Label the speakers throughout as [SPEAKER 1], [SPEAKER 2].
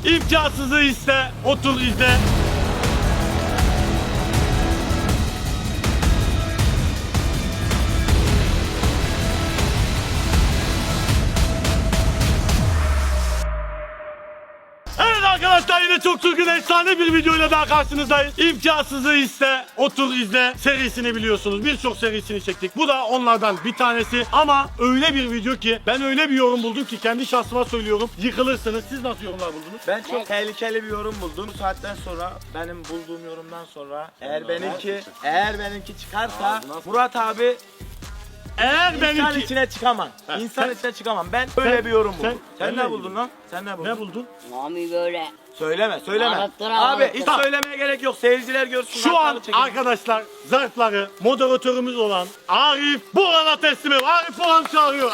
[SPEAKER 1] İmkansızı iste, otur izle. Evet arkadaşlar, yine çok çılgın efsane bir videoyla daha karşınızdayız. İmkansızı iste, otur izle serisini biliyorsunuz. Birçok serisini çektik. Bu da onlardan bir tanesi ama öyle bir video ki ben öyle bir yorum buldum ki kendi şahsıma söylüyorum. Yıkılırsınız. Siz nasıl yorumlar buldunuz?
[SPEAKER 2] Ben çok tehlikeli bir yorum buldum. Bu saatten sonra benim bulduğum yorumdan sonra eğer benimki çıkarsa Murat abi
[SPEAKER 1] Eğer
[SPEAKER 2] insan
[SPEAKER 1] benimki...
[SPEAKER 2] içine çıkamam. İnsan
[SPEAKER 1] sen-
[SPEAKER 2] içine çıkamam. Ben böyle bir yorum buldum. Sen
[SPEAKER 1] sen
[SPEAKER 2] ne
[SPEAKER 1] ne
[SPEAKER 2] buldun lan? Sen ne buldun?
[SPEAKER 1] Ne buldun?
[SPEAKER 3] Mami böyle.
[SPEAKER 2] Söyleme.
[SPEAKER 3] Anlattıra,
[SPEAKER 2] Abi
[SPEAKER 3] anlattıra.
[SPEAKER 2] hiç söylemeye gerek yok. Seyirciler görsün.
[SPEAKER 1] Şu an
[SPEAKER 2] kartları çekin.
[SPEAKER 1] arkadaşlar zarfları moderatörümüz olan Arif Boran'a teslim ediyor. Arif Boran çağırıyor.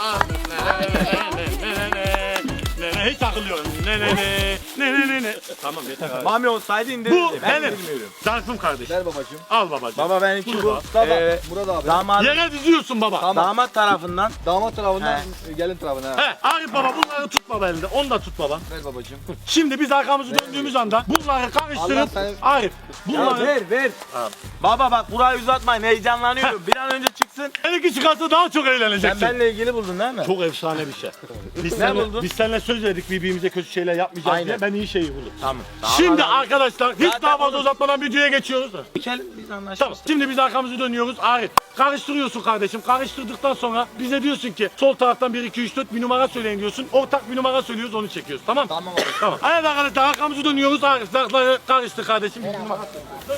[SPEAKER 1] Hiç akıllıyorum. Ne. Tamam yeter abi.
[SPEAKER 2] Mami olsaydı indirirdi.
[SPEAKER 1] Bu
[SPEAKER 2] Ben
[SPEAKER 1] benim
[SPEAKER 2] bilmiyorum.
[SPEAKER 1] zarfım kardeşim.
[SPEAKER 4] Ver babacığım.
[SPEAKER 1] Al babacığım.
[SPEAKER 2] Baba benimki bu.
[SPEAKER 1] Burada.
[SPEAKER 4] Murat abi.
[SPEAKER 2] Damat,
[SPEAKER 1] Yere diziyorsun baba.
[SPEAKER 4] Tamam.
[SPEAKER 2] damat tarafından
[SPEAKER 4] Damat tarafından gelin tarafına.
[SPEAKER 1] He, Arif baba bunları tut baba elinde. Onu da tut baba.
[SPEAKER 4] Ver babacığım.
[SPEAKER 1] Şimdi biz arkamızı döndüğümüz anda bunları karıştırıp
[SPEAKER 4] Allah seni-
[SPEAKER 1] Arif bunları
[SPEAKER 2] ver. Baba bak burayı uzatmayın, heyecanlanıyorum. Bir an önce çıksın.
[SPEAKER 1] benimki çıkarsa daha çok
[SPEAKER 2] Sen
[SPEAKER 1] eğleneceksin.
[SPEAKER 2] benimle ilgili buldun değil mi?
[SPEAKER 1] Çok efsane bir şey.
[SPEAKER 2] buldun?
[SPEAKER 1] Biz seninle söz verdik birbirimize kötü şeyler yapmayacağız
[SPEAKER 2] Aynen.
[SPEAKER 1] diye. Ben iyi şeyi buldum.
[SPEAKER 2] Tamam.
[SPEAKER 1] Şimdi arkadaşlar hiç
[SPEAKER 2] Zaten
[SPEAKER 1] daha fazla
[SPEAKER 2] onu-
[SPEAKER 1] uzatmadan videoya geçiyoruz da.
[SPEAKER 2] Geçelim biz anlaşırız.
[SPEAKER 1] Tamam. Şimdi biz arkamızı dönüyoruz. Arif karıştırıyorsun kardeşim. Karıştırdıktan sonra bize diyorsun ki sol taraftan 1 2 3 4 bir numara söyleyin diyorsun. Ortak bir numara söylüyoruz, onu çekiyoruz. Tamam?
[SPEAKER 4] Tamam abi.
[SPEAKER 1] Tamam. Evet arkadaşlar arkamızı dönüyoruz. Arif zarfları karıştır kardeşim. Bir numara söyle.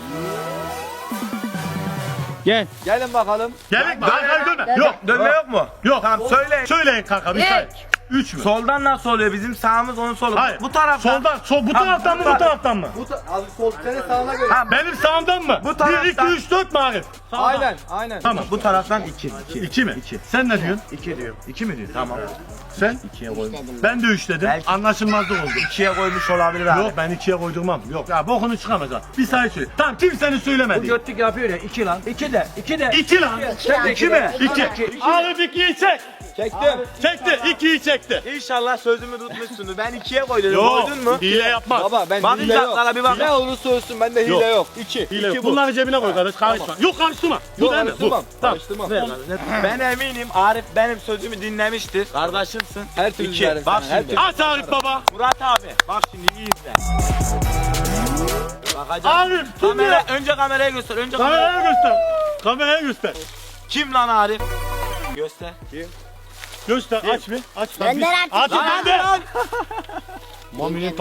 [SPEAKER 4] Gelin bakalım.
[SPEAKER 1] Gerek mi? Hayır dönme. Yok.
[SPEAKER 2] Dönme yok mu?
[SPEAKER 1] Yok.
[SPEAKER 2] Tamam söyleyin.
[SPEAKER 1] Söyleyin kanka bir say. 3 mü?
[SPEAKER 2] Soldan nasıl oluyor? Bizim sağımız onun solu.
[SPEAKER 1] Hayır.
[SPEAKER 2] Bu taraftan.
[SPEAKER 1] Soldan. Bu taraftan mı bu taraftan mı?
[SPEAKER 4] Abi sol senin sağına göre.
[SPEAKER 2] Ha,
[SPEAKER 1] Benim sağımdan mı?
[SPEAKER 2] Bu
[SPEAKER 1] 1 2
[SPEAKER 2] taraftan.
[SPEAKER 1] 3 4 mü Arif?
[SPEAKER 4] Aynen.
[SPEAKER 1] Tamam.
[SPEAKER 2] Bu taraftan 2.
[SPEAKER 1] 2 mi? 2. Sen ne diyorsun?
[SPEAKER 2] 2 diyor. 2 mi diyor? Tamam.
[SPEAKER 1] Sen?
[SPEAKER 2] 2'ye koymuş.
[SPEAKER 1] Ben de 3 dedim.
[SPEAKER 2] Belki-
[SPEAKER 1] Anlaşılmazlık oldu.
[SPEAKER 2] 2'ye koymuş olabilir abi.
[SPEAKER 1] Yok ben 2'ye koydurmam. Yok ya bokunu çıkamaz ha. Bir sayı söyle. Tamam kimsenin söylemedi.
[SPEAKER 4] Götlük yapıyor ya 2 lan.
[SPEAKER 2] 2 de. 2 de.
[SPEAKER 1] 2 lan.
[SPEAKER 3] Sen
[SPEAKER 2] 2 mi?
[SPEAKER 1] 2. Arif 2'yi çek.
[SPEAKER 4] Çektim.
[SPEAKER 1] Çekti. 2'yi çekti.
[SPEAKER 2] İnşallah sözümü tutmuşsunuz. Ben 2'ye koydum.
[SPEAKER 1] Yok.
[SPEAKER 2] Koydun mu?
[SPEAKER 1] Hile yapmaz.
[SPEAKER 4] Baba ben
[SPEAKER 2] Bak
[SPEAKER 4] hile yok.
[SPEAKER 2] uzaklara bir bak.
[SPEAKER 4] Ne olursa olsun bende hile yok. 2.
[SPEAKER 1] Hile yok. Bunları cebine koy kardeş. Karışma. Yok karıştırma. Bu
[SPEAKER 4] Yok
[SPEAKER 1] değil mi? Bu.
[SPEAKER 4] karıştırmam.
[SPEAKER 1] Tamam.
[SPEAKER 4] Karıştırmam.
[SPEAKER 2] Ver bana. Ben eminim Arif benim sözümü dinlemiştir. Kardeşimsin.
[SPEAKER 4] Her türlü
[SPEAKER 2] 2.
[SPEAKER 4] verim
[SPEAKER 2] Bak
[SPEAKER 4] sana, her
[SPEAKER 2] şimdi.
[SPEAKER 4] türlü.
[SPEAKER 1] Aç Arif baba.
[SPEAKER 2] Murat abi. Bak şimdi iyi izle. Bakacağım.
[SPEAKER 1] Arif kim ya?
[SPEAKER 2] Önce kameraya göster.
[SPEAKER 1] Kameraya göster. Kameraya göster.
[SPEAKER 2] Kim lan Arif? Göster.
[SPEAKER 1] Göster. Aç bir. Aç.
[SPEAKER 3] Gönder artık.
[SPEAKER 1] Aç
[SPEAKER 2] Lan
[SPEAKER 1] ben de.
[SPEAKER 2] lan.
[SPEAKER 1] Mami'nin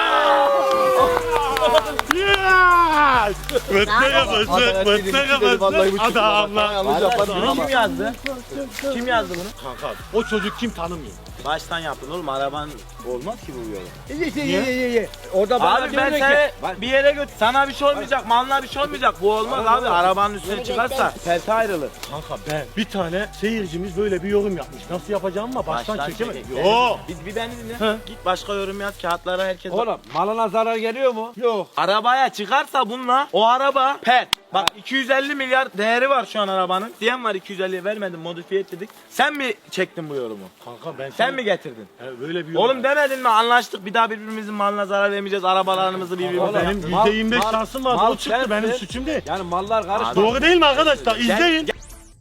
[SPEAKER 1] Yes! Mıstık mıstık
[SPEAKER 4] Vallahi bu
[SPEAKER 1] mıstık
[SPEAKER 4] çıktı.
[SPEAKER 1] adamlar.
[SPEAKER 4] Yanlış yapmadım
[SPEAKER 2] Bunu
[SPEAKER 4] ama.
[SPEAKER 2] kim yazdı? Kim yazdı bunu?
[SPEAKER 1] Kanka o çocuk kim tanımıyor.
[SPEAKER 2] Baştan yapın oğlum, araban olmaz ki bu yola.
[SPEAKER 4] Ye. Orada bana
[SPEAKER 2] Abi ben seni bir yere götür. Sana bir şey olmayacak, malına bir şey olmayacak. Bu olmaz abi. Arabanın üstüne çıkarsa pelte ayrılır.
[SPEAKER 1] Kanka ben bir tane seyircimiz böyle bir yorum yapmış. Nasıl yapacağım ama baştan çekemedim.
[SPEAKER 2] çek.
[SPEAKER 1] Yo.
[SPEAKER 2] Bir beni dinle.
[SPEAKER 1] He.
[SPEAKER 2] Git başka yorum yaz, kağıtlara herkes.
[SPEAKER 4] Oğlum malına zarar geliyor mu? Yok.
[SPEAKER 2] Arabaya çıkarsa bununla o araba pet. Bak 250 milyar değeri var şu an arabanın. Diyen var 250'ye vermedim, modifiye ettik. Sen mi çektin bu yorumu?
[SPEAKER 1] Kanka ben
[SPEAKER 2] Sen mi getirdin?
[SPEAKER 1] böyle bir yorum.
[SPEAKER 2] Oğlum demedin mi, anlaştık bir daha birbirimizin malına zarar vermeyeceğiz, arabalarımızı birbirimize.
[SPEAKER 1] benim %25 şansım vardı. O çıktı, benim suçum değil.
[SPEAKER 4] Yani mallar karıştı.
[SPEAKER 1] Doğru değil mi arkadaşlar? İzleyin.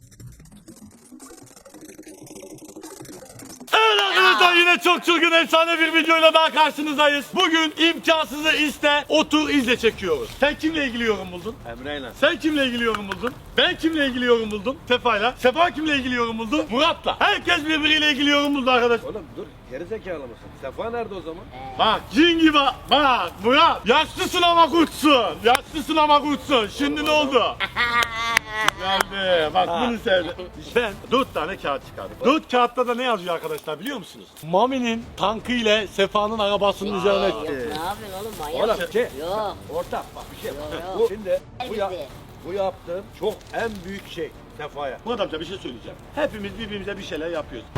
[SPEAKER 1] Evet arkadaşlar, yine çok çılgın efsane bir videoyla daha karşınızdayız. Bugün imkansızı iste, otur izle çekiyoruz. Sen kimle ilgili yorum buldun?
[SPEAKER 4] Emre'yle.
[SPEAKER 1] Sen kimle ilgili yorum buldun? Ben kimle ilgili yorum buldum? Sefa'yla. Sefa kimle ilgili yorum buldu? Murat'la. Herkes birbiriyle ilgili yorum buldu arkadaş.
[SPEAKER 4] Oğlum dur gerizekalı mısın? Sefa nerede o zaman?
[SPEAKER 1] Bak cin gibi bak Murat. Yaşlısın ama kurtsun. Yaşlısın ama kurtsun. Şimdi ne oldu? Geldi. Bak bunu sevdim. Ben 4 tane kağıt çıkardım. 4 kağıtta da ne yazıyor arkadaşlar biliyor musunuz? Mami'nin tankı ile Sefa'nın arabasının üzerine.
[SPEAKER 3] Ne yapıyorsun oğlum, manyak
[SPEAKER 4] Oğlum
[SPEAKER 3] mısın?
[SPEAKER 4] şey.
[SPEAKER 3] Yok.
[SPEAKER 4] Ortak bak bir şey.
[SPEAKER 3] Yok,
[SPEAKER 4] Bu
[SPEAKER 3] yok.
[SPEAKER 4] şimdi
[SPEAKER 3] Bizi.
[SPEAKER 4] bu yaptığım çok en büyük şey Sefa'ya.
[SPEAKER 1] Murat amca bir şey söyleyeceğim. Hepimiz birbirimize bir şeyler yapıyoruz.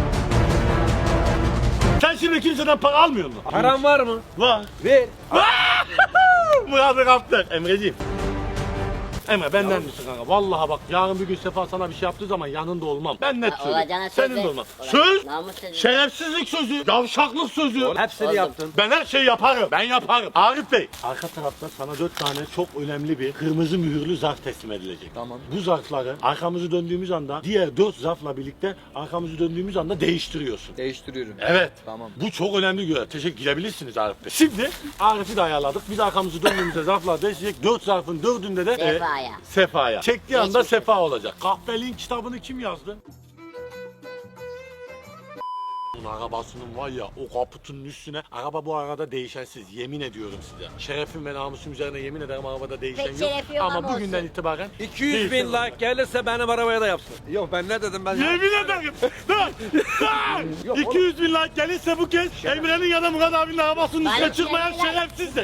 [SPEAKER 1] Sen şimdi kimseden para almıyor musun?
[SPEAKER 4] Paran var mı?
[SPEAKER 1] Var.
[SPEAKER 4] Ver.
[SPEAKER 1] Murat'ı kaptı. Emreciğim. Emre benden misin kanka? Vallahi bak yarın bir gün Sefa sana bir şey yaptığı zaman yanında olmam. Ben net
[SPEAKER 3] Olacağına
[SPEAKER 1] söylüyorum.
[SPEAKER 3] söz
[SPEAKER 1] Senin
[SPEAKER 3] ver.
[SPEAKER 1] de olmaz.
[SPEAKER 3] Olacak.
[SPEAKER 1] Söz,
[SPEAKER 3] Namus sözü.
[SPEAKER 1] şerefsizlik sözü, yavşaklık sözü.
[SPEAKER 4] Hepsini
[SPEAKER 3] Oldu.
[SPEAKER 4] yaptın.
[SPEAKER 1] Ben her şeyi yaparım. Ben yaparım. Arif Bey. Arka tarafta sana 4 tane çok önemli bir kırmızı mühürlü zarf teslim edilecek.
[SPEAKER 5] Tamam.
[SPEAKER 1] Bu zarfları arkamızı döndüğümüz anda diğer 4 zarfla birlikte arkamızı döndüğümüz anda değiştiriyorsun.
[SPEAKER 5] Değiştiriyorum.
[SPEAKER 1] Evet.
[SPEAKER 5] Tamam.
[SPEAKER 1] Bu çok önemli görev. Teşekkür gidebilirsiniz Arif Bey. Şimdi Arif'i de ayarladık. Biz arkamızı döndüğümüzde zarflar değişecek. 4 zarfın 4'ünde de
[SPEAKER 3] Sefa'ya.
[SPEAKER 1] Sefa'ya. Çektiği anda
[SPEAKER 3] Geçmiş.
[SPEAKER 1] Sefa olacak. Kahpeliğin kitabını kim yazdı? Bunun arabasının var ya o kaputunun üstüne araba bu arada değişensiz yemin ediyorum size. Şerefim ve namusum üzerine yemin ederim arabada değişen
[SPEAKER 3] Pek
[SPEAKER 1] yok.
[SPEAKER 3] şerefi yok
[SPEAKER 1] Ama
[SPEAKER 3] ama
[SPEAKER 1] bugünden
[SPEAKER 3] olsun.
[SPEAKER 1] itibaren
[SPEAKER 4] 200 bin
[SPEAKER 1] değişen
[SPEAKER 4] like gelirse benim arabaya da yapsın. Yok ben ne dedim ben?
[SPEAKER 1] Yemin ederim.
[SPEAKER 4] Yok,
[SPEAKER 1] 200 bin like gelirse bu kez Emre'nin ya da Murat abinin arabasının üstüne
[SPEAKER 3] Bari
[SPEAKER 1] çıkmayan
[SPEAKER 3] şerefler.
[SPEAKER 1] şerefsizdir.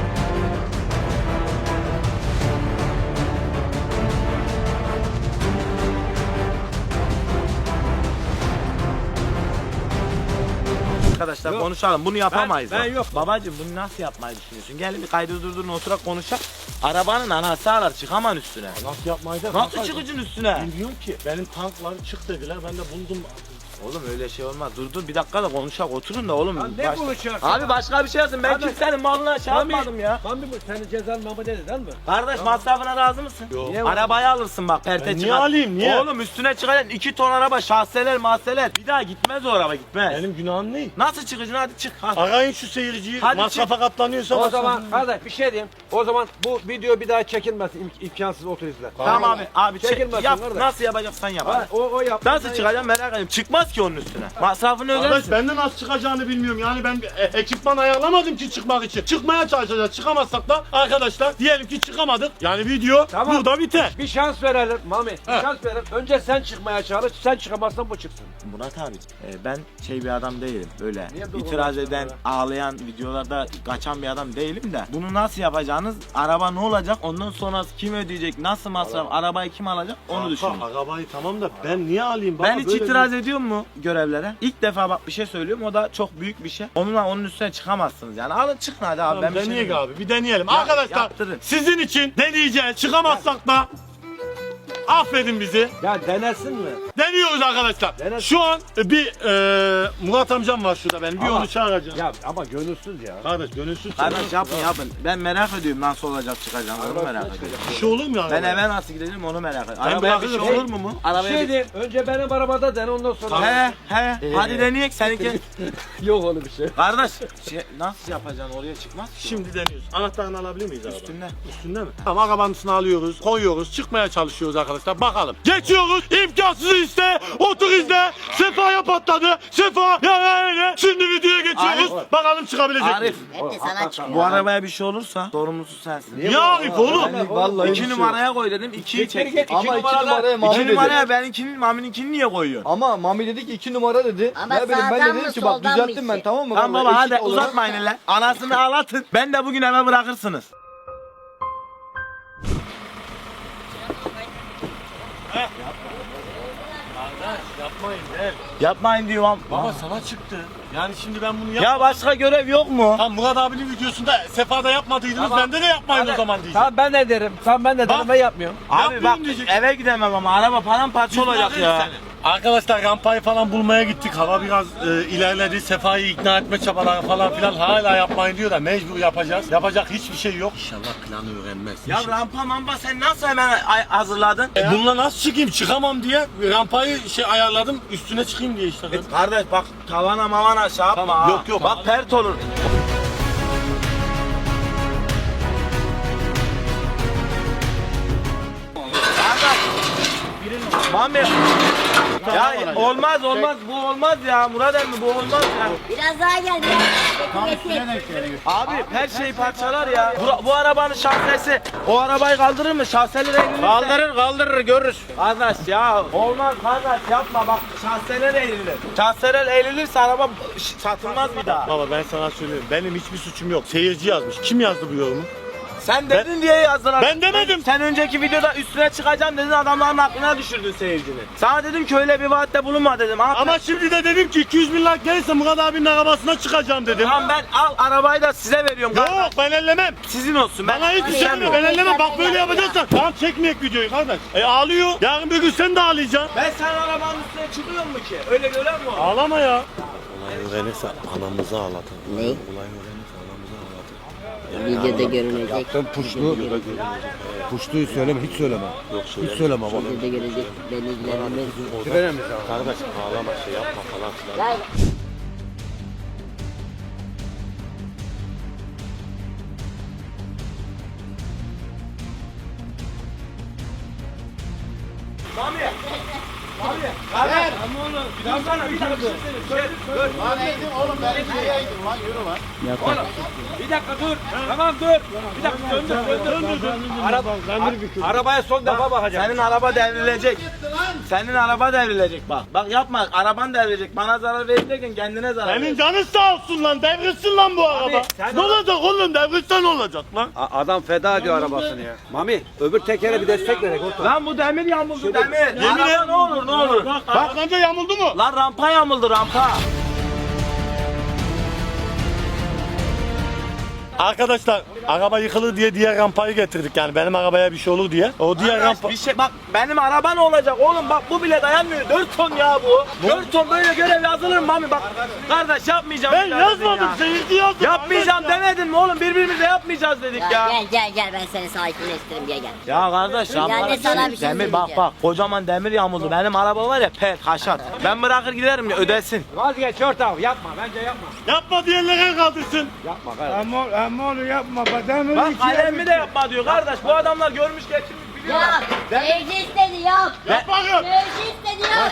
[SPEAKER 2] Arkadaşlar
[SPEAKER 4] Yok.
[SPEAKER 2] konuşalım. Bunu yapamayız.
[SPEAKER 4] Ben
[SPEAKER 2] bak.
[SPEAKER 4] yok.
[SPEAKER 2] Babacım bunu nasıl yapmayı düşünüyorsun? Gel bir kaydı durdurun oturak konuşalım. Arabanın anası ağlar çıkaman üstüne.
[SPEAKER 1] Nasıl yapmayı da?
[SPEAKER 2] Nasıl çıkacaksın üstüne?
[SPEAKER 1] Bilmiyorum ki. Benim tanklar çık dediler. Ben de buldum.
[SPEAKER 2] Oğlum öyle şey olmaz. Dur bir dakika da konuşak oturun da oğlum.
[SPEAKER 4] Lan ne konuşacaksın?
[SPEAKER 2] Abi başka bir şey yazın. Ben
[SPEAKER 4] Abi-
[SPEAKER 2] kimsenin malına şey yapmadım ya.
[SPEAKER 4] Mami bu senin cezan mama dedi değil mi?
[SPEAKER 2] Kardeş masrafına razı mısın?
[SPEAKER 1] Yok.
[SPEAKER 4] Niye
[SPEAKER 2] Arabayı alırsın bak perte
[SPEAKER 1] Ben niye
[SPEAKER 2] çıkar.
[SPEAKER 1] alayım, niye?
[SPEAKER 2] Oğlum üstüne çıkacaksın 2 ton araba şahseler mahseler. Bir daha gitmez o araba gitmez.
[SPEAKER 1] Benim günahım ne?
[SPEAKER 2] Nasıl çıkacaksın hadi çık. Hadi.
[SPEAKER 1] Arayın şu seyirciyi.
[SPEAKER 2] Hadi
[SPEAKER 1] Masrafa katlanıyorsa
[SPEAKER 4] O
[SPEAKER 1] masrafı-
[SPEAKER 4] zaman kardeş bir şey diyeyim. O zaman bu video bir daha çekilmez imkansız otur izle.
[SPEAKER 2] Tamam abi
[SPEAKER 4] Çekilmesin
[SPEAKER 2] yap
[SPEAKER 4] kardeş.
[SPEAKER 2] nasıl yapacaksan yap.
[SPEAKER 4] Ha, o yap.
[SPEAKER 2] Nasıl çıkacağım merak ediyorum. Çıkmaz ki onun üstüne. Masrafını
[SPEAKER 1] Arkadaş
[SPEAKER 2] ödersin.
[SPEAKER 1] ben de nasıl çıkacağını bilmiyorum. Yani ben ekipman ayarlamadım ki çıkmak için. Çıkmaya çalışacağız. Çıkamazsak da arkadaşlar diyelim ki çıkamadık. Yani video
[SPEAKER 4] Tamam.
[SPEAKER 1] burada biter.
[SPEAKER 4] Bir şans verelim Mami. Bir
[SPEAKER 1] Ha.
[SPEAKER 4] şans verelim. Önce sen çıkmaya çalış. Sen çıkamazsan bu çıksın.
[SPEAKER 2] Murat abi ben şey bir adam değilim böyle
[SPEAKER 4] Niye dur
[SPEAKER 2] itiraz
[SPEAKER 4] oğlum
[SPEAKER 2] eden
[SPEAKER 4] ya?
[SPEAKER 2] ağlayan videolarda kaçan bir adam değilim de bunu nasıl yapacağınız araba ne olacak ondan sonrası kim ödeyecek nasıl masraf arabayı kim alacak onu düşünün.
[SPEAKER 1] Arabayı tamam da ben niye alayım? Baba,
[SPEAKER 2] Ben hiç
[SPEAKER 1] böyle
[SPEAKER 2] itiraz ediyor mu görevlere? İlk defa bak bir şey söylüyorum o da çok büyük bir şey. Onun üstüne çıkamazsınız yani alın çıkın hadi abi.
[SPEAKER 1] Tamam,
[SPEAKER 2] Ben bir şey
[SPEAKER 1] deneyek
[SPEAKER 2] demiyorum.
[SPEAKER 1] abi bir deneyelim. Arkadaşlar
[SPEAKER 2] yaptırın.
[SPEAKER 1] sizin için deneyeceğiz. Çıkamazsak da affedin bizi.
[SPEAKER 4] Ya denersin mi?
[SPEAKER 1] Deniyoruz arkadaşlar.
[SPEAKER 4] Dene.
[SPEAKER 1] Şu an bir Murat amcam var şurada benim. Bir
[SPEAKER 4] Ama-
[SPEAKER 1] onu çağıracağım.
[SPEAKER 4] Ya ama gönülsüz ya.
[SPEAKER 1] Kardeş gönülsüz.
[SPEAKER 2] Kardeş yapın. Ben merak ediyorum nasıl olacak çıkacağını onu merak ediyorum.
[SPEAKER 1] Bir şey olur mu ya?
[SPEAKER 2] Ben eve nasıl gideceğim onu merak ediyorum.
[SPEAKER 1] Ben
[SPEAKER 2] Arabaya bir şey
[SPEAKER 1] bırakırım.
[SPEAKER 2] olur mu?
[SPEAKER 4] Bir
[SPEAKER 2] Arabaya
[SPEAKER 4] şey
[SPEAKER 2] bir...
[SPEAKER 4] diyeyim. Önce benim arabada dene ondan sonra.
[SPEAKER 2] He hadi deneyek seninki.
[SPEAKER 4] Yok öyle bir şey.
[SPEAKER 2] Kardeş nasıl yapacaksın oraya çıkmaz ki.
[SPEAKER 1] Şimdi deniyoruz. Anahtarını alabilir miyiz araba?
[SPEAKER 2] Üstünde.
[SPEAKER 1] Üstünde mi? Tamam arabanın alıyoruz, koyuyoruz, çıkmaya çalışıyoruz arkadaşlar. Bakalım. Geçiyoruz. İmkansızı iste. Otur izle. Sefa'ya patladı. Sefa ya öyle. Şimdi videoya geçiyoruz.
[SPEAKER 2] Arif.
[SPEAKER 1] Bakalım çıkabilecek
[SPEAKER 2] Arif
[SPEAKER 1] mi?
[SPEAKER 3] Hep de sana çıkıyor.
[SPEAKER 2] bu arabaya bir şey olursa sorumlusu sensin.
[SPEAKER 1] Niye Arif oğlum?
[SPEAKER 5] Vallahi
[SPEAKER 2] 2 numaraya koy dedim 2'yi çek.
[SPEAKER 4] git.
[SPEAKER 5] Ama 2 numaraya Mami
[SPEAKER 2] 2
[SPEAKER 5] dedi.
[SPEAKER 2] numaraya benimkinin Mami'ninkini niye koyuyorsun?
[SPEAKER 5] Ama Mami dedi ki 2 numara dedi.
[SPEAKER 3] Ama
[SPEAKER 5] ne bileyim ben
[SPEAKER 3] sağdan
[SPEAKER 5] de dedim
[SPEAKER 3] mı,
[SPEAKER 5] ki bak
[SPEAKER 3] soldan mı
[SPEAKER 5] düzelttim ben
[SPEAKER 3] işte?
[SPEAKER 5] tamam mı?
[SPEAKER 2] Tamam
[SPEAKER 5] Vallahi
[SPEAKER 2] baba hadi
[SPEAKER 5] eşit olarak-
[SPEAKER 2] uzatmayın hele. Anasını ağlatın. Ben de bugün eve bırakırsınız.
[SPEAKER 1] Yapmayın gel.
[SPEAKER 2] Yapmayın diyorum.
[SPEAKER 1] Baba sana çıktı. Yani şimdi ben bunu yap.
[SPEAKER 2] Ya başka görev yok mu?
[SPEAKER 1] Tamam Murat abinin videosunda Sefa'da yapmadıydınız.
[SPEAKER 4] Tamam.
[SPEAKER 1] Bende de yapmayın o zaman diyeceğim.
[SPEAKER 4] Tamam ben de derim. Tamam ben de derim
[SPEAKER 1] Bak.
[SPEAKER 4] ben yapmıyorum.
[SPEAKER 2] Abi
[SPEAKER 1] Yapmayın
[SPEAKER 2] bak
[SPEAKER 1] diyecek.
[SPEAKER 2] eve gidemem ama araba paramparça olacak ya.
[SPEAKER 1] Arkadaşlar rampayı falan bulmaya gittik. Hava biraz ilerledi. Sefa'yı ikna etme çabaları falan filan hala yapmayın diyor da mecbur yapacağız. Yapacak hiçbir şey yok. İnşallah planı öğrenmez.
[SPEAKER 2] Ya rampa mampa sen nasıl hemen hazırladın?
[SPEAKER 1] Bununla nasıl çıkayım? Çıkamam diye rampayı ayarladım. Üstüne çıkayım diye işte.
[SPEAKER 2] Kardeş bak tavana mavana şey yapma
[SPEAKER 1] Tamam,
[SPEAKER 2] ha.
[SPEAKER 1] yok, yok.
[SPEAKER 2] Bak pert olur. Mami. Ya olmaz bu olmaz ya Murat emmi bu olmaz ya.
[SPEAKER 3] Biraz daha gel biraz.
[SPEAKER 2] Abi her şey parçalar ya. Bu arabanın şahsesi o arabayı kaldırır mı? Şahseler eğilir. Kaldırır görürüz. Kardeş ya olmaz kardeş yapma bak şahseler eğilir. Şahseler eğilirse araba satılmaz bir daha.
[SPEAKER 1] Baba ben sana söylüyorum. Benim hiçbir suçum yok. Seyirci yazmış. Kim yazdı bu yorumu?
[SPEAKER 2] Sen dedin diye yazdılar.
[SPEAKER 1] Ben demedim.
[SPEAKER 2] Sen önceki videoda üstüne çıkacağım dedin, adamların aklına düşürdün seyircini. Sana dedim ki öyle bir vaatte bulunma dedim.
[SPEAKER 1] Ama şimdi de dedim ki 200 bin like gelirse Murat abinin arabasına çıkacağım dedim.
[SPEAKER 2] Tamam, ben al arabayı da size veriyorum.
[SPEAKER 1] Yok ben ellemem.
[SPEAKER 2] Sizin olsun.
[SPEAKER 1] Bana hiçbir şey deme, ben ellemem. Bak böyle yapacaksan tamam çekmeyek videoyu kardeş. Ağlıyor. Yarın bir gün sen de ağlayacaksın.
[SPEAKER 2] Ben sen arabanın üstüne çıkıyor mu ki? Öyle gören mi o?
[SPEAKER 1] Ağlama ya.
[SPEAKER 6] Olay öğrenirse anamızı ağlatır.
[SPEAKER 3] Ne?
[SPEAKER 6] Olay öğrenirse anamızı ağlatır.
[SPEAKER 3] Videoda görünecek.
[SPEAKER 6] Yaptığın puştuyu söyleme, hiç söyleme. Yok söyleme. Hiç söyleme baba.
[SPEAKER 3] Videoda görecek. Beni ilgilendirmez.
[SPEAKER 6] Veremez abi. Kardeş ağlama şey yapma falan filan.
[SPEAKER 3] Lan.
[SPEAKER 2] Mami. Mami. Kardeş. Ama oğlum. Bir dakika bir dakika. Dur.
[SPEAKER 5] Oğlum ben nereye gittim lan yürü lan.
[SPEAKER 2] Oğlum. Bir dakika dur. Tamam dur. Bir dakika döndür.
[SPEAKER 4] Arabaya son defa bakacağım.
[SPEAKER 2] Senin araba devrilecek. Senin araba devrilecek bak. Bak yapma. Araban devrilecek. Bana zarar vereceksin, kendine zarar
[SPEAKER 1] Senin
[SPEAKER 2] vereceksin.
[SPEAKER 1] canın sağ olsun lan. Devrilsin lan bu araba.
[SPEAKER 2] sen
[SPEAKER 1] Ne olacak oğlum? Devrilse ne olacak lan?
[SPEAKER 4] Adam feda ediyor arabasını ya. Mami öbür tekere bir destek verek orta.
[SPEAKER 2] Lan bu demir yamuldu demir.
[SPEAKER 1] Yemin
[SPEAKER 2] Araba
[SPEAKER 1] et-
[SPEAKER 2] ne olur ne olur.
[SPEAKER 1] Bak arabanda yamuldu mu?
[SPEAKER 2] Lan rampa yamuldu rampa.
[SPEAKER 1] Arkadaşlar araba yıkılır diye diğer rampayı getirdik yani benim arabaya bir şey olur diye. O diğer rampa...
[SPEAKER 2] Bir şey bak, benim araba ne olacak oğlum, bak bu bile dayanmıyor. 4 ton ya bu. 4 ton böyle görev yazılır mı Mami, bak. Kardeş yapmayacağım.
[SPEAKER 1] Ben
[SPEAKER 2] bir daha dedin
[SPEAKER 1] yazmadım,
[SPEAKER 2] ya.
[SPEAKER 1] seyirci yazdı.
[SPEAKER 2] Yapmayacağım
[SPEAKER 1] kardeş ya.
[SPEAKER 2] demedin mi oğlum, birbirimize yapmayacağız dedik ya.
[SPEAKER 3] Gel ben seni sakinleştireyim gel.
[SPEAKER 2] Ya kardeş rampa.
[SPEAKER 3] Yani sana bir şey
[SPEAKER 2] Demir bak
[SPEAKER 3] söyleyeceğim.
[SPEAKER 2] kocaman demir yağmurdu. Benim araba var ya pet haşat. Ben bırakır giderim ya, ödesin.
[SPEAKER 4] Vazgeç orta yapma bence yapma.
[SPEAKER 1] Yapma diyenler el kaldırsın.
[SPEAKER 4] Yapma kardeş.
[SPEAKER 2] Bak alemi de yapma diyor kardeş. Bu adamlar görmüş geçirmiş biliyor.
[SPEAKER 3] Yap. Seyirci istedi yap.
[SPEAKER 1] Yap bakayım.
[SPEAKER 3] Seyirci istedi yap.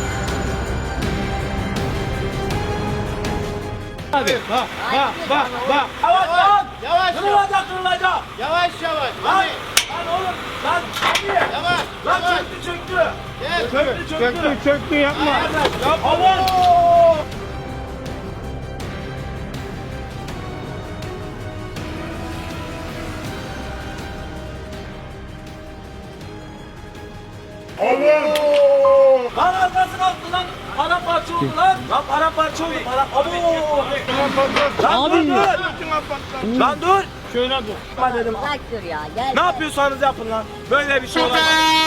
[SPEAKER 2] Bak. Yavaş lan.
[SPEAKER 5] Yavaş
[SPEAKER 2] Kırılacak kırılacak.
[SPEAKER 5] yavaş.
[SPEAKER 2] Lan. Lan oğlum. Lan.
[SPEAKER 5] Yavaş.
[SPEAKER 2] Lan çöktü.
[SPEAKER 5] Gel.
[SPEAKER 2] Çöktü yapma. Aman. Lan arkası kalktı lan. Paramparça oldu lan. Lan paramparça oldu. Abo. Lan dur. Lan dur. Şöyle dur. Ben dedim.
[SPEAKER 3] Bırak dur ya gel.
[SPEAKER 2] Ne yapıyorsanız yapın lan. Böyle bir şey olamaz.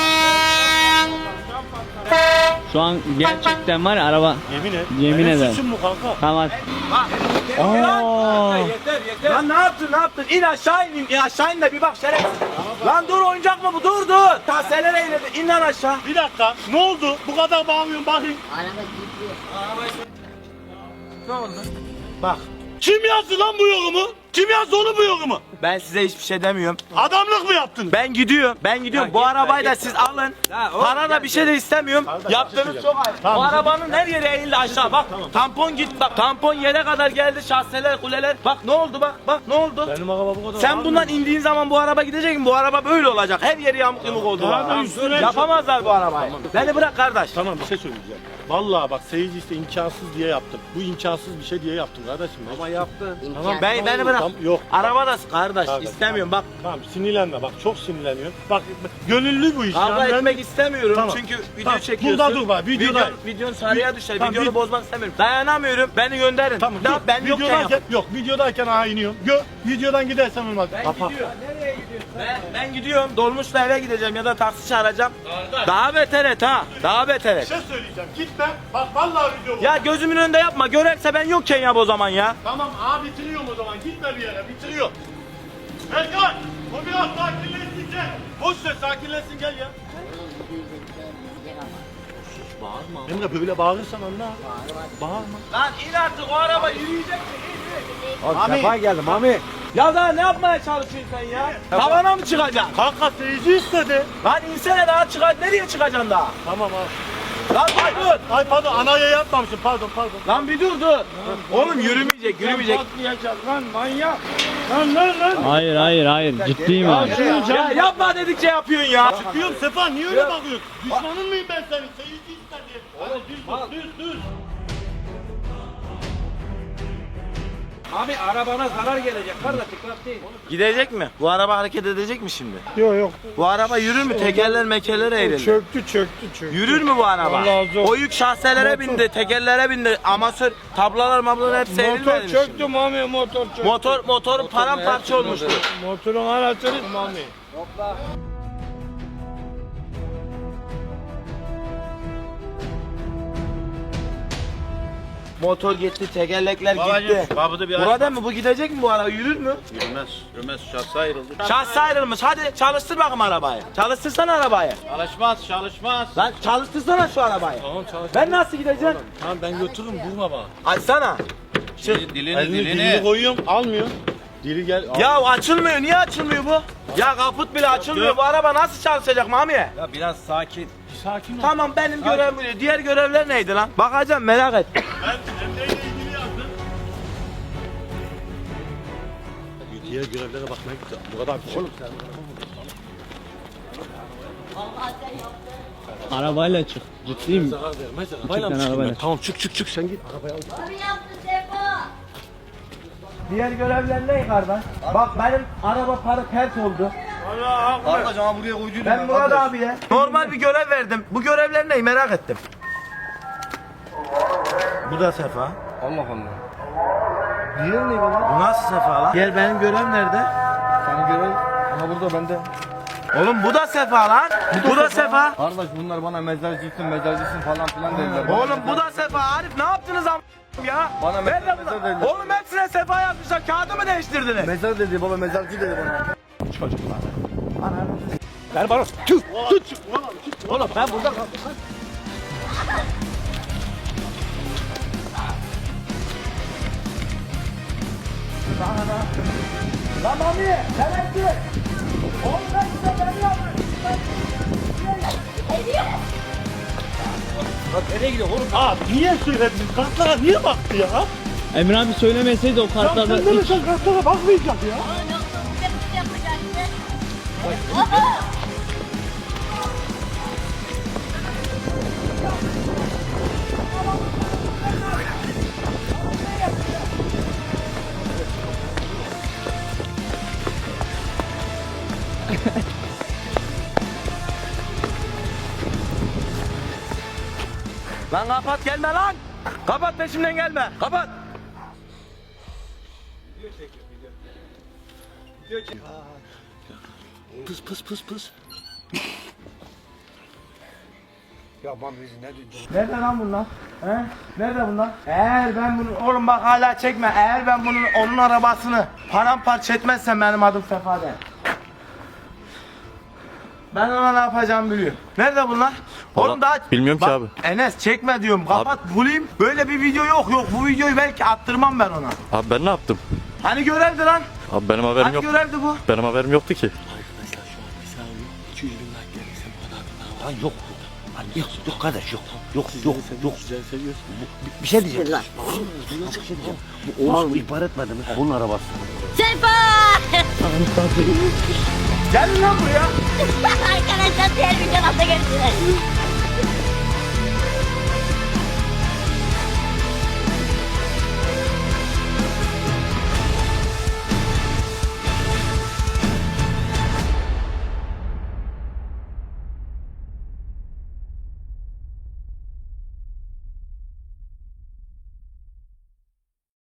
[SPEAKER 7] Şu an gerçekten var ya araba.
[SPEAKER 1] Yemin et.
[SPEAKER 7] Yemin
[SPEAKER 1] Benim
[SPEAKER 7] ederim.
[SPEAKER 1] suçum mu kanka?
[SPEAKER 7] Tamam.
[SPEAKER 2] Bak.
[SPEAKER 7] Aa.
[SPEAKER 2] Yeter. Lan ne yaptın? İn aşağı in de bir bak şerefsiz. Lan dur, oyuncak mı bu? Dur. Taseler eyledi. İn lan aşağı.
[SPEAKER 1] Bir dakika. Ne oldu? Bu kadar bağırıyorsun bakayım.
[SPEAKER 3] Araba gidiyor.
[SPEAKER 2] Ne oldu? Bak.
[SPEAKER 1] Kim yazdı lan bu yorumu? Kim yazdı onu bu yorumu?
[SPEAKER 2] Ben size hiçbir şey demiyorum.
[SPEAKER 1] Adamlık mı yaptın?
[SPEAKER 2] Ben gidiyorum. Bu arabayı da siz alın. Para da bir şey de istemiyorum. Yaptığınız çok ayıp. Bu arabanın her yeri eğildi aşağı. Bak tampon git bak. Tampon yere kadar geldi. Şahseler, kuleler. Bak ne oldu bak. Bak ne oldu?
[SPEAKER 1] Benim araba bu kadar.
[SPEAKER 2] Sen bundan indiğin zaman bu araba gidecek mi? Bu araba böyle olacak. Her yeri yamuk yumuk oldu.
[SPEAKER 1] Tamam,
[SPEAKER 2] Bak.
[SPEAKER 1] üstüne-
[SPEAKER 2] Yapamazlar bu arabayı. Beni bırak kardeş.
[SPEAKER 1] Tamam bir şey söyleyeceğim. Vallahi bak seyirci işte imkansız diye yaptım. Bu imkansız bir şey diye yaptım kardeşim.
[SPEAKER 4] Ama yaptın.
[SPEAKER 1] Tamam
[SPEAKER 2] Beni bırak.
[SPEAKER 1] Tamam, yok.
[SPEAKER 2] Araba da kardeş
[SPEAKER 1] Kardeş,
[SPEAKER 2] istemiyorum bak.
[SPEAKER 1] Tamam sinirlenme bak çok sinirleniyorsun. Bak gönüllü bu iş.
[SPEAKER 2] Kavga
[SPEAKER 1] yani ben-
[SPEAKER 2] etmek istemiyorum
[SPEAKER 1] Tamam.
[SPEAKER 2] çünkü video
[SPEAKER 1] Tamam,
[SPEAKER 2] çekiyorsun.
[SPEAKER 1] burada dur bak, videoda.
[SPEAKER 2] Videonun sarıya düşer.
[SPEAKER 1] Tamam,
[SPEAKER 2] Videonu bozmak istemiyorum. Dayanamıyorum. Beni gönderin.
[SPEAKER 1] Tamam
[SPEAKER 2] Ne
[SPEAKER 1] dur.
[SPEAKER 2] yap? Ben yokken yap.
[SPEAKER 1] videodayken, yok videodayken aha iniyorum. Videodan gidersen olmaz. Kapat.
[SPEAKER 2] Nereye gidiyorsun? Ben gidiyorum. Dolmuşla eve gideceğim ya da taksi çağıracağım. Daha beter et ha. Daha beter
[SPEAKER 1] Bir
[SPEAKER 2] et.
[SPEAKER 1] şey söyleyeceğim. Gitme. Bak vallahi video bu.
[SPEAKER 2] Ya gözümün önünde yapma. Görerse ben yokken yap o zaman ya.
[SPEAKER 1] Tamam abi bitiriyorum o zaman. Gitme bir yere. Bitiriyor. Erkan. O biraz sakinleşsin gel. Boş ver sakinleşsin gel ya.
[SPEAKER 3] Bağırma.
[SPEAKER 1] Emre böyle bağırırsan anla. Bağırma.
[SPEAKER 2] Lan in artık, o araba yürüyecek mi?
[SPEAKER 4] Abi sefa geldi Mami.
[SPEAKER 2] Ya daha ne yapmaya çalışıyorsun sen ya? Tavana mı çıkacaksın?
[SPEAKER 1] Kanka seyirci istedi.
[SPEAKER 2] Lan insene daha çıkar. Nereye çıkacaksın daha?
[SPEAKER 1] Tamam abi.
[SPEAKER 2] Lan dur.
[SPEAKER 1] Ay pardon anaya yapmamışım pardon.
[SPEAKER 2] Lan bir dur. Oğlum yürümeyecek.
[SPEAKER 7] Hayır. Ciddiyim abi.
[SPEAKER 2] Ya yapma dedikçe yapıyorsun ya.
[SPEAKER 1] Çıkıyorum Sefa niye öyle bakıyorsun? Düşmanın mıyım ben senin? Seyirci istedi. Hadi düz.
[SPEAKER 4] Abi arabana zarar gelecek kardeş, dikkat değil.
[SPEAKER 2] Gidecek mi? Bu araba hareket edecek mi şimdi?
[SPEAKER 5] Yok yok.
[SPEAKER 2] Bu araba yürür mü? Tekerler mekerler eğrilir.
[SPEAKER 5] Çöktü.
[SPEAKER 2] Yürür mü bu araba?
[SPEAKER 5] Allah razı olsun.
[SPEAKER 2] O yük şahselere
[SPEAKER 5] Motor.
[SPEAKER 2] bindi, tekerlere bindi. Amatör tablalar mablalar hepsi eğrilmedi
[SPEAKER 5] Motor
[SPEAKER 2] mi
[SPEAKER 5] çöktü
[SPEAKER 2] şimdi?
[SPEAKER 5] mami, motor çöktü.
[SPEAKER 2] Motor paramparça olmuştu.
[SPEAKER 5] Motorun anahtarı mami.
[SPEAKER 2] Motor gitti, tekerlekler gitti.
[SPEAKER 5] Babada bir
[SPEAKER 2] Burada mı? Bu gidecek mi bu araba? Yürür mü?
[SPEAKER 5] Yürümez şahsı ayrıldı.
[SPEAKER 2] Şahsı ayrılmış. Hadi çalıştır bakalım arabayı. Çalıştırsana arabayı.
[SPEAKER 5] Çalışmaz.
[SPEAKER 2] Lan çalıştırsana şu arabayı.
[SPEAKER 1] Tamam çalış.
[SPEAKER 2] Ben nasıl gideceğim?
[SPEAKER 1] Tamam ben götürürüm vurma bana.
[SPEAKER 2] Açsana.
[SPEAKER 1] Dilini koyuyorum almıyor. Dili gel.
[SPEAKER 2] Ya açılmıyor. Niye açılmıyor bu? Ya kaput bile açılmıyor. Bu araba nasıl çalışacak Mami?
[SPEAKER 4] Ya biraz sakin.
[SPEAKER 1] Sakin ol.
[SPEAKER 2] Tamam benim görevim bu. Diğer görevler neydi lan? Bakacağım merak et.
[SPEAKER 1] Ben Emre'yle ilgili yazdım. Diğer görevlere bakmaya gideceğim. Bu kadar bir şey. Oğlum sen.
[SPEAKER 3] Allah sen yaptın.
[SPEAKER 7] Arabayla çık. Ciddiyim.
[SPEAKER 1] Zarar vermez.
[SPEAKER 7] Arabayla mı çıkayım ben?
[SPEAKER 1] Tamam çık sen git. Arabaya al.
[SPEAKER 3] Abi yaptın Sefa.
[SPEAKER 2] Diğer görevler ne kardeş? Bak benim araba pert oldu.
[SPEAKER 6] Kardeş ama buraya koyduydum.
[SPEAKER 2] Ben Murat abiye normal bir görev verdim. Bu görevler ne merak ettim. Bu da Sefa.
[SPEAKER 6] Allah Allah. Diğer ne baba?
[SPEAKER 2] Bu nasıl Sefa lan? Diğer benim görev nerede?
[SPEAKER 6] Sana göre ama burada bende.
[SPEAKER 2] Oğlum bu da Sefa lan. Bu da Sefa.
[SPEAKER 6] Kardeş bunlar bana mezarcısın falan filan dediler.
[SPEAKER 2] Oğlum bu da Sefa. Arif ne yaptınız am ya?
[SPEAKER 6] Bana
[SPEAKER 2] Nerede
[SPEAKER 6] mezar
[SPEAKER 2] bunlar?
[SPEAKER 6] dediler.
[SPEAKER 2] Oğlum hepsine Sefa yazmışlar. Kağıdı mı değiştirdiniz?
[SPEAKER 6] Mezar dedi baba, mezarcı dedi bana.
[SPEAKER 1] Ver bana. Tut.
[SPEAKER 2] Oğlum ben burada Lan Mami, sen ettin. Oğlum ben size ben yaptım.
[SPEAKER 1] Abi niye söyledin? Kartlara niye baktı ya?
[SPEAKER 7] Emre abi söylemeseydi o kartlarda
[SPEAKER 1] Sen de mi
[SPEAKER 7] hiç...
[SPEAKER 1] sen kartlara bakmayacak ya?
[SPEAKER 3] Oğlum yoksa bu tepki yapacaktı. Aha.
[SPEAKER 2] Lan kapat gelme lan. Kapat peşimden gelme. Kapat.
[SPEAKER 1] Pıs.
[SPEAKER 6] Ya bana bizi ne diyorsun?
[SPEAKER 2] Nerede lan bunlar? He? Nerede bunlar? Eğer ben bunu oğlum bak hala çekme. Eğer ben onun arabasını paramparça etmezsem benim adım Sefa değil. Ben ona ne yapacağımı biliyorum. Nerede bunlar? Oğlum daha
[SPEAKER 8] bilmiyorum ki
[SPEAKER 2] Bak,
[SPEAKER 8] abi.
[SPEAKER 2] Enes çekme diyorum. Kapat bulayım. Böyle bir video yok. Bu videoyu belki attırmam ben ona.
[SPEAKER 8] Abi ben ne yaptım?
[SPEAKER 2] Hani görevdi lan?
[SPEAKER 8] Abi benim haberim
[SPEAKER 2] Hani
[SPEAKER 8] yok.
[SPEAKER 2] görevdi bu?
[SPEAKER 8] Benim haberim yoktu ki.
[SPEAKER 6] Yok kardeş yok. Yok. Bir şey diyeceğim.
[SPEAKER 3] Lan.
[SPEAKER 6] Bu Oğuz ihbar etmedi mi? Bunun arabası.
[SPEAKER 3] Sefa.
[SPEAKER 2] Gel lan buraya.
[SPEAKER 3] Arkadaşlar diğer videoda görüşürüz.